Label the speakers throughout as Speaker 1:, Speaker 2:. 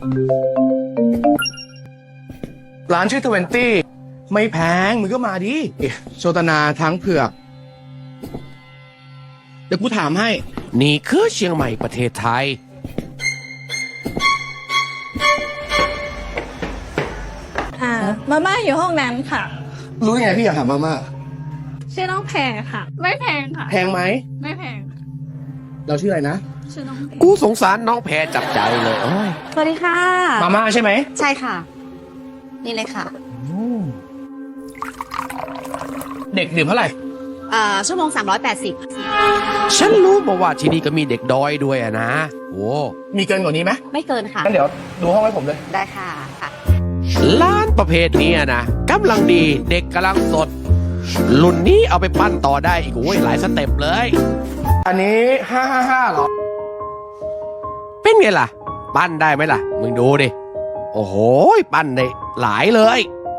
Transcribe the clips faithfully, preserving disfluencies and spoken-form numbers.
Speaker 1: ร้านชื่อทเวนตี้ไม่แพงมึงก็มาดิโชตนาทั้งเผือกเดี๋ยวกูถามให้
Speaker 2: นี่คือเชียงใหม่ประเทศไทย
Speaker 3: อ่ามาม่าอยู่ห้องนั้นค่ะ
Speaker 1: รู้ยังไงพี่อยากถามมาม่า
Speaker 3: ชื่อน้องแพรค่ะ ไม่แพงค่ะ
Speaker 1: แพงไหม
Speaker 3: ไม่แพง
Speaker 1: เราชื่ออะไรนะ
Speaker 3: ชื่อน้องแพร
Speaker 2: กูสงสารน้องแพรจับใจเลยโอ้ย
Speaker 4: สวัสดีค่ะ
Speaker 1: มาม่าใช่ไหม
Speaker 4: ใช่ค่ะนี่เลยค่ะ
Speaker 1: เด็กดื่มเท่าไหร่
Speaker 4: อ่าชั่วโมงสามร้อยแปดสิบ
Speaker 2: ฉันรู้มาว่าที่นี่ก็มีเด็กดอยด้วยอะนะโอ้
Speaker 1: มีเกินกว่านี้ไหม
Speaker 4: ไม่เกินค่ะ
Speaker 1: งั้นเดี๋ยวดูห้องให้ผมเลย
Speaker 4: ได้ค่ะค่ะ
Speaker 2: ร้านประเภทนี้นะกำลังดีเด็กกำลังสดรุ่นนี้เอาไปปั้นต่อได้อีกโอ้ยหลายสเต็ปเลย
Speaker 1: อันนี้ห้าห้าห้าหรอ
Speaker 2: เป็นไงล่ะปั้นได้ไหมล่ะมึงดูดิโอ้โหปั้นได้หลายเลย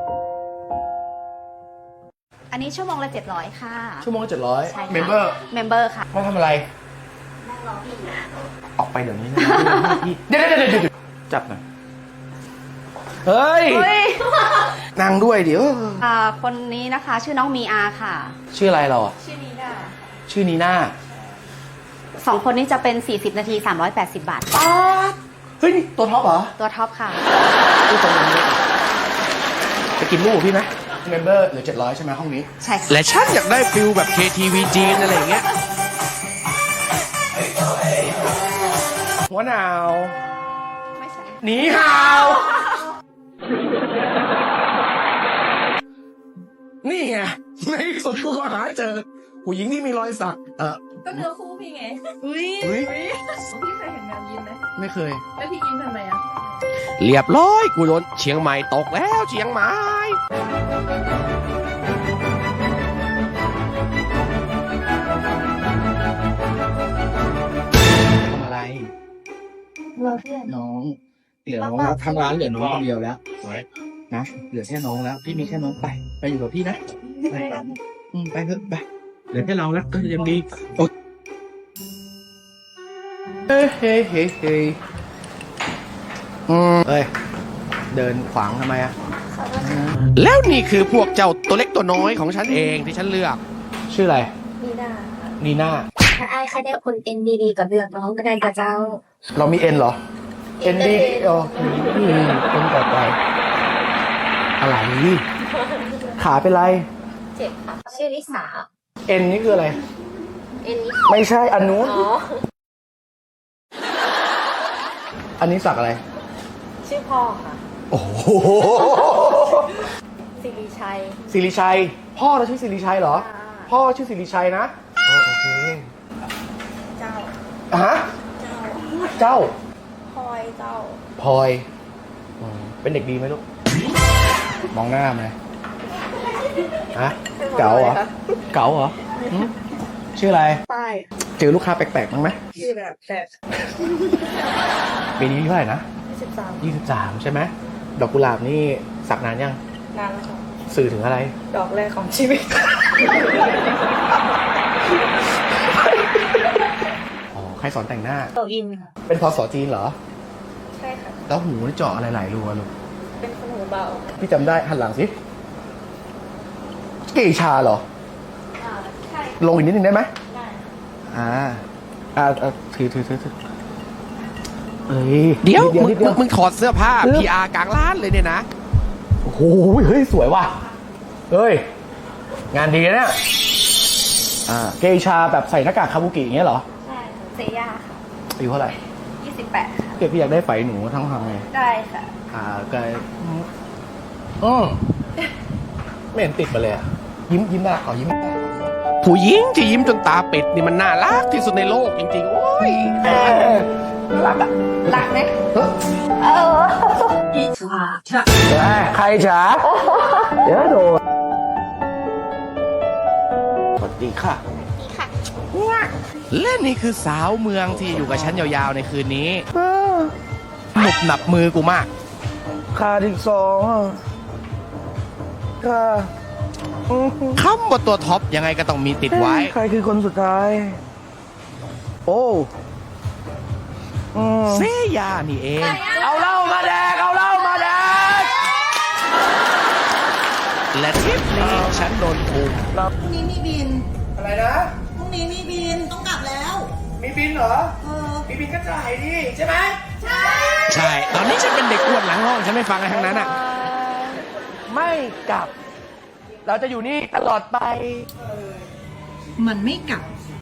Speaker 4: อันนี้ชั่วโมงละเจ็ดร้อยค่ะ
Speaker 1: ชั่วโมงละเจ็ดร้อย
Speaker 4: ใช่ค่ะ
Speaker 1: เมมเบอร์
Speaker 4: เมมเบอร์ค่ะ
Speaker 1: มาทำอะไร
Speaker 4: นั่งรอพี่
Speaker 1: ออกไปเดี๋ยวนี้นะเดี๋ยวเดี๋ยวเดี๋ยวจับหน่อยเฮ้ยนั่งด้วยเดี๋ยว
Speaker 4: อ่าคนนี้นะคะชื่อน้องมีอาค่ะ
Speaker 1: ชื่ออะไรเราอ่ะ
Speaker 4: ชื่อนีน่า
Speaker 1: ชื่อนีน่า
Speaker 4: สองคนนี้จะเป็นสี่สิบนาทีสามร้อยแปดสิบบาท
Speaker 1: ป๊าดเฮ้ยนี่ตัวท็อปเหรอ
Speaker 4: ตัวท็อปค่ะ
Speaker 1: ตัวตรงนี้จะกินลูกพี่ไหมเมมเบอร์เหลือเจ็ดร้อยใช่ไหมห้องนี้
Speaker 4: ใช่
Speaker 2: และฉันอยากได้ฟิลแบบ เค ที วี จีนอะไรอย่างเงี้ย
Speaker 1: หัวหนาว
Speaker 4: ไม่ใช่
Speaker 1: หนีห่าวนี่ไงในสุดกูก็หาเจอผู้หญิงที่มีรอยสักเออ
Speaker 3: ก็เนื้อคู่พี่ไงอุ้ยพี่เคยเห็นแมวยิ้มไหม
Speaker 1: ไม่เคย
Speaker 3: แล้วพี่ยิ้มทำไมอ่ะ
Speaker 2: เรียบร้อยกูโดนเชียงใหม่ตกแล้วเชียงใหม่
Speaker 1: ทำอะไรน้องเหลือน้องแล้วทางร้านเหลือน้องคนเดียวแล้วนะเหลือแค่น้องแล้วพี่มีแค่น้องไปไปอยู่กับพี่นะไปอืมไปเถอะไปเหลือแค่เราแล้วก็ยังดีโอ้เฮ้เฮ้เฮ้เฮ้อืมเอ้ยเดินขวางทำไมอะ
Speaker 2: แล้วนี่คือพวกเจ้าตัวเล็กตัวน้อยของฉันเองที่ฉันเลือก
Speaker 1: ชื่ออะไร
Speaker 3: นีน่า
Speaker 1: นีน่า
Speaker 3: ถ้าไอ้ใครได้คนเอ็นดีๆกับเลือกน้องก็ได้กับเจ้า
Speaker 1: เรามีเอ็นเหรอเอ็นดีโอ้ยคนต่อไปอะไรขาเป็นไร
Speaker 3: เจ็บค่ะชื่อลิสา
Speaker 1: เอ็นนี่คืออะไร
Speaker 3: เอ็นนี้
Speaker 1: ไม่ใช่อันนู้น
Speaker 3: อ๋อ
Speaker 1: อันนี้สักอะไร
Speaker 3: ชื่อพ่อค่ะ
Speaker 1: โอ้โห
Speaker 3: สิริชัย
Speaker 1: สิริชัยพ่อเราชื่อสิริชัยเหรอพ่อชื่อสิริชัยนะโอเค
Speaker 3: เจ้า
Speaker 1: ฮะเจ้า
Speaker 3: พลอยเจ้า
Speaker 1: พลอยเป็นเด็กดีไหมลูกมองหน้าไหมฮะเก๋าเหรอเก๋าเหรอชื่ออะไร
Speaker 3: ป้าย
Speaker 1: เจอลูกค้าแปลกๆบ้างไหม
Speaker 3: ชื่อแบบแปลก
Speaker 1: ปีนี้เท่าไหร่นะ
Speaker 3: ยี่สิบสาม
Speaker 1: ยี่สิบสามใช่ไหมดอกกุหลาบนี่สักนานยัง
Speaker 3: นานแล้วค่ะ
Speaker 1: สื่อถึงอะไร
Speaker 3: ดอกแรกของชีวิต
Speaker 1: อ๋อใครสอนแต่งหน้า
Speaker 3: โตอินค่ะ
Speaker 1: เป็นพศจีนเหรอ
Speaker 3: ใช่ค่ะ
Speaker 1: แล้วหูนี่เจาะอะไรหลายรูอะลูก
Speaker 3: เป็นคนหูเบา
Speaker 1: พี่จำได้หันหลังสิเกชาเหรอ
Speaker 3: อ่าใช่
Speaker 1: ลงอีกนิดนึงได้ไหม
Speaker 3: ได้
Speaker 1: อ่าอ่าถือถือถือถือเอ้ย
Speaker 2: เดี๋ยวมึงมึงถอดเสื้อผ้า พี อาร์ กลางร้านเลยเนี่ยนะ
Speaker 1: โอ้โหเฮ้ยสวยว่ะเฮ้ยงานดีนะเนี่ยอ่าเกชาแบบใส่หน้ากากคาบุกิอย่างเงี้ยเหรอ
Speaker 3: ใช่เซย่าค่ะ
Speaker 1: อายุเท่าไหร่
Speaker 3: ยี่สิบแปดค่ะ
Speaker 1: เก็บพี่อยากได้ไฝหนูทั้งทางไง
Speaker 3: ได้ค่ะ
Speaker 1: อ่าก็อืมไม่เห็นติดมาเลยยิ้มยิ้มได้ขอยิ้มได้
Speaker 2: ผู้หญิงที่ยิ้มจนตาเป็ดนี่มันน่ารักที่สุดในโลกจริงๆโอ้ย
Speaker 1: รักอ่ะ
Speaker 3: รักไหมเอออีฉา
Speaker 1: ใครฉาเดี๋ยวโดนสวัสดีค่ะ
Speaker 4: ค่ะ
Speaker 2: และนี่คือสาวเมืองที่อยู่กับฉันยาวๆในคืนนี้หนุบหนับมือกูมาก
Speaker 1: ขาดอีกสองค่ะ
Speaker 2: คำว่าตัวท็อปยังไงก็ต้องมีติดไว้
Speaker 1: ใครคือคนสุดท้ายโอ้
Speaker 2: เซย่านี่เอง
Speaker 1: เอาเล่ามา
Speaker 2: ฉันโดนถูก
Speaker 3: พรุ่งนี้มีบิน
Speaker 1: อะไรนะ
Speaker 3: พรุ่งนี้มีบิน ต้องกลับแล้ว
Speaker 1: มีบินเหรอ
Speaker 3: เออ
Speaker 1: มีบินก็จ่ายดิใช่ไหม
Speaker 3: ใช่
Speaker 2: ใช่ ตอนนี้ฉันเป็นเด็กอ้วนหลังห้อง ฉันไม่ฟังอะไรทั้งนั้นอ่ะ
Speaker 1: ไม่กลับ เราจะอยู่นี่ตลอดไป
Speaker 3: มันไม่กลับ